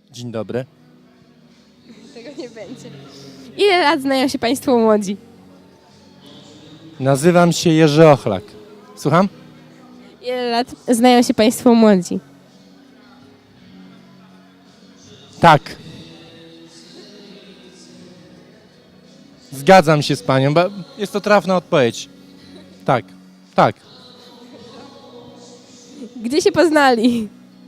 Dzień dobry. Tego nie będzie. Ile lat znają się Państwo młodzi? Nazywam się Jerzy Ochlak. Słucham? Ile lat znają się Państwo młodzi? Tak. Zgadzam się z panią, bo jest to trafna odpowiedź. Tak, tak. Gdzie się poznali?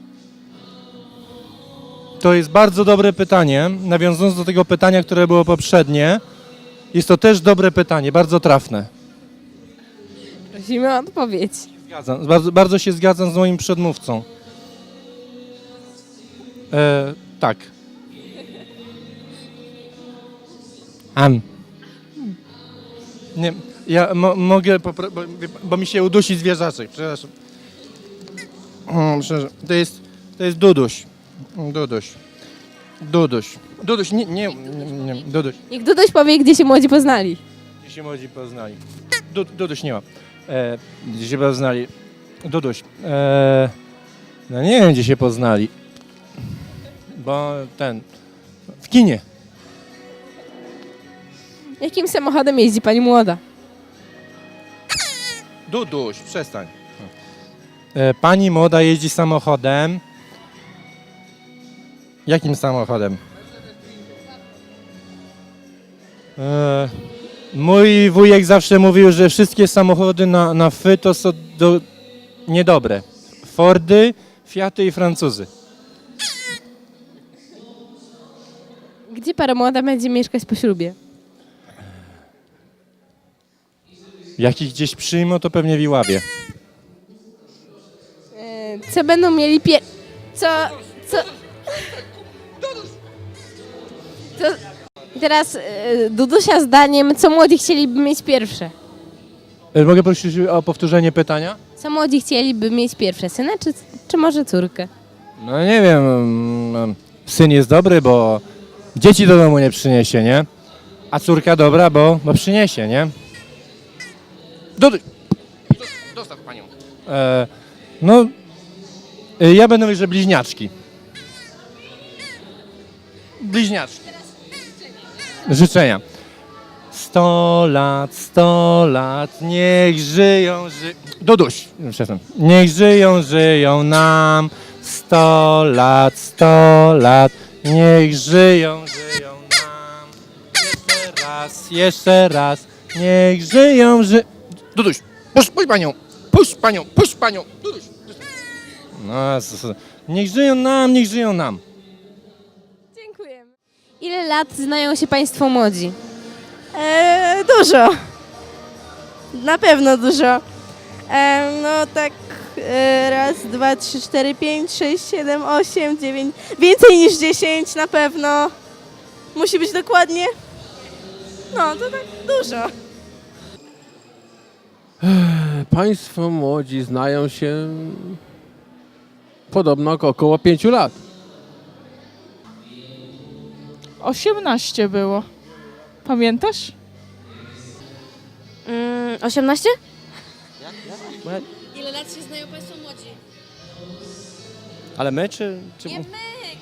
To jest bardzo dobre pytanie. Nawiązując do tego pytania, które było poprzednie, jest to też dobre pytanie, bardzo trafne. Prosimy o odpowiedź. Zgadzam, bardzo się zgadzam z moim przedmówcą. Tak. Nie, ja mogę, bo mi się udusi zwierzaczek, przepraszam. To jest Duduś. Duduś, nie, Duduś. Niech Duduś powie, gdzie się młodzi poznali. Gdzie się młodzi poznali? Duduś nie ma. Gdzie się poznali? Duduś. No nie wiem, gdzie się poznali. Bo w kinie. Jakim samochodem jeździ Pani młoda? Duduś, przestań. Pani młoda jeździ samochodem. Jakim samochodem? Mój wujek zawsze mówił, że wszystkie samochody na F to są niedobre. Fordy, Fiaty i Francuzy. Gdzie para młoda będzie mieszkać po ślubie? Jak ich gdzieś przyjmą, to pewnie w Iławie. Co będą mieli Co? I teraz Dudusia zdaniem, co młodzi chcieliby mieć pierwsze? Mogę prosić o powtórzenie pytania? Co młodzi chcieliby mieć pierwsze? Syna czy może córkę? No nie wiem, syn jest dobry, bo dzieci do domu nie przyniesie, nie? A córka dobra, bo przyniesie, nie? Dostaw panią. Ja będę mówił, że bliźniaczki. Bliźniaczki. Życzenia. 100 lat, niech żyją, Duduś, przepraszam. Niech żyją nam. 100 lat, niech żyją nam. Jeszcze raz, niech żyją, Duduś, puść panią, Duduś. No, niech żyją nam. Dziękujemy. Ile lat znają się Państwo młodzi? Dużo. Na pewno dużo. No tak raz, dwa, trzy, cztery, pięć, sześć, siedem, osiem, dziewięć. Więcej niż 10 na pewno. Musi być dokładnie. No to tak dużo. Państwo młodzi znają się podobno około 5 lat. 18 było. Pamiętasz? 18? Ile lat się znają Państwo młodzi? Ale my czy... Nie my!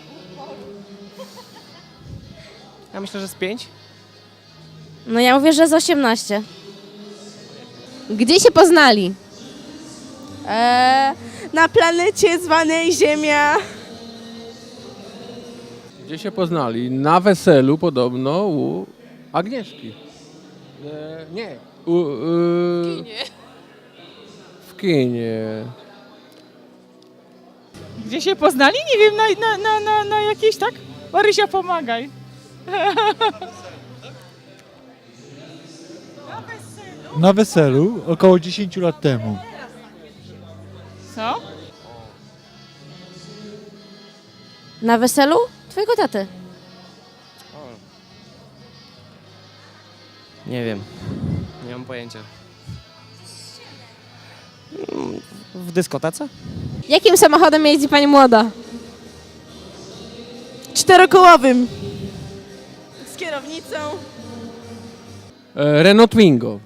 Ja myślę, że z 5. No ja mówię, że z 18. Gdzie się poznali? Na planecie zwanej Ziemia. Gdzie się poznali? Na weselu podobno u Agnieszki. Nie. W kinie. W kinie. Gdzie się poznali? Nie wiem, na jakiejś, tak? Marysia, pomagaj. Na weselu około 10 lat temu. Co? Na weselu twojego taty. Nie wiem. Nie mam pojęcia. W dyskotece? Jakim samochodem jeździ Pani młoda? Czterokołowym. Z kierownicą. Renault Twingo.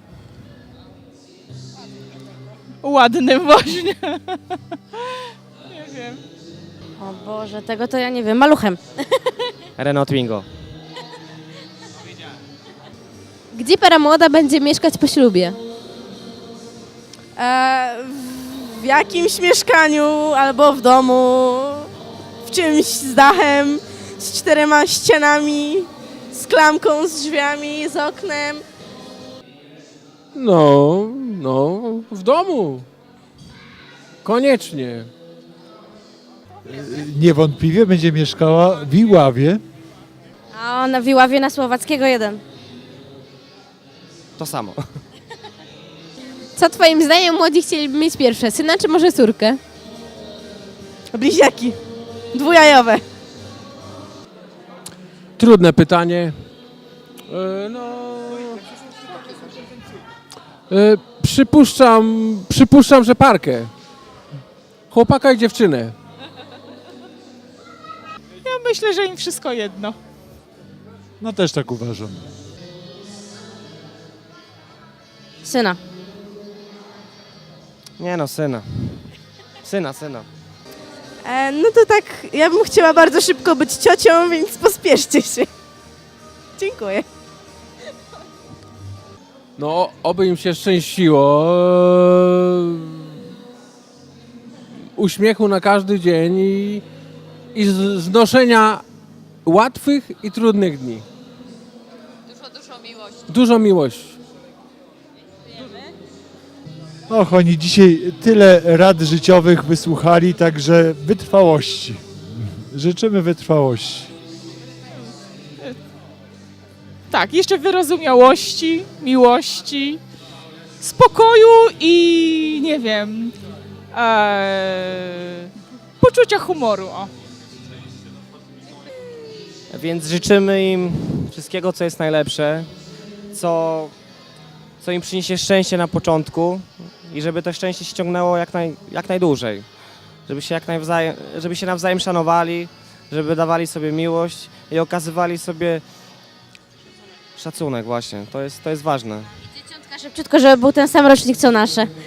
Ładnym właśnie. Nie wiem. O Boże, tego to ja nie wiem. Maluchem. Renault Twingo. Gdzie para młoda będzie mieszkać po ślubie? W jakimś mieszkaniu albo w domu, w czymś z dachem, z 4 ścianami, z klamką, z drzwiami, z oknem. No, w domu. Koniecznie. Niewątpliwie będzie mieszkała w Iławie. A na Wiławie na Słowackiego 1. To samo. Co twoim zdaniem młodzi chcieliby mieć pierwsze, syna czy może córkę? Bliźniaki, dwujajowe. Trudne pytanie. Przypuszczam, że parkę. Chłopaka i dziewczynę. Ja myślę, że im wszystko jedno. No też tak uważam. Syna. Nie no, syna. Syna. No to tak, ja bym chciała bardzo szybko być ciocią, więc pospieszcie się. Dziękuję. No, oby im się szczęściło. Uśmiechu na każdy dzień i znoszenia łatwych i trudnych dni. Dużo miłości. Dużo miłości. Och, oni dzisiaj tyle rad życiowych wysłuchali, także wytrwałości. Życzymy wytrwałości. Tak, jeszcze wyrozumiałości, miłości, spokoju i nie wiem, poczucia humoru. O. Więc życzymy im wszystkiego, co jest najlepsze, co im przyniesie szczęście na początku i żeby to szczęście się ciągnęło jak najdłużej. Żeby się nawzajem szanowali, żeby dawali sobie miłość i okazywali sobie szacunek właśnie. To jest ważne. Dzieciątka szybciutko, żeby był ten sam rocznik co nasze.